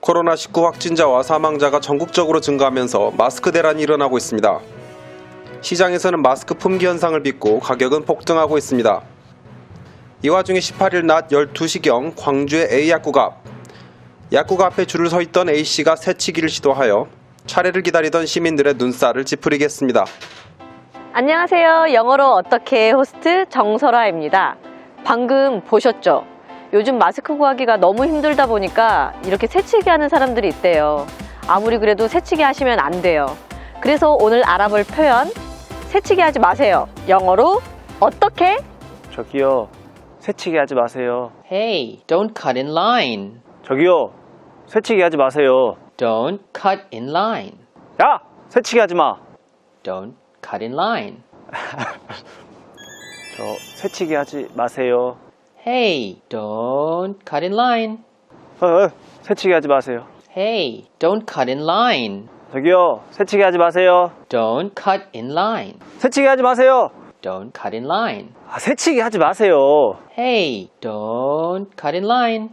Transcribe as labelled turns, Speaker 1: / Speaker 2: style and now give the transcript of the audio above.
Speaker 1: 코로나19 확진자와 사망자가 전국적으로 증가하면서 마스크 대란이 일어나고 있습니다. 시장에서는 마스크 품귀 현상을 빚고 가격은 폭등하고 있습니다. 이 와중에 18일 낮 12시경 광주의 A약국 앞에 줄을 서 있던 A씨가 새치기를 시도하여 차례를 기다리던 시민들의 눈살을 찌푸리게 했습니다.
Speaker 2: 안녕하세요. 영어로 어떻게 호스트 정설아입니다. 방금 보셨죠? 요즘 마스크 구하기가 너무 힘들다 보니까 이렇게 새치기 하는 사람들이 있대요. 아무리 그래도 새치기 하시면 안 돼요. 그래서 오늘 알아볼 표현, 새치기 하지 마세요. 영어로 어떻게?
Speaker 3: 저기요, 새치기 하지 마세요.
Speaker 4: Hey, don't cut in line.
Speaker 3: 저기요, 새치기 하지 마세요.
Speaker 4: Don't cut in line.
Speaker 3: 야! 새치기 하지 마!
Speaker 4: Don't cut in line.
Speaker 3: 저 새치기 하지 마세요.
Speaker 4: Hey, don't cut in line.
Speaker 3: 새치기 하지 마세요.
Speaker 4: Hey, don't cut in line.
Speaker 3: 저기요, 새치기 하지 마세요.
Speaker 4: Don't cut in line.
Speaker 3: 새치기 하지 마세요.
Speaker 4: Don't cut in line.
Speaker 3: 새치기 하지 마세요.
Speaker 4: Hey, don't cut in line.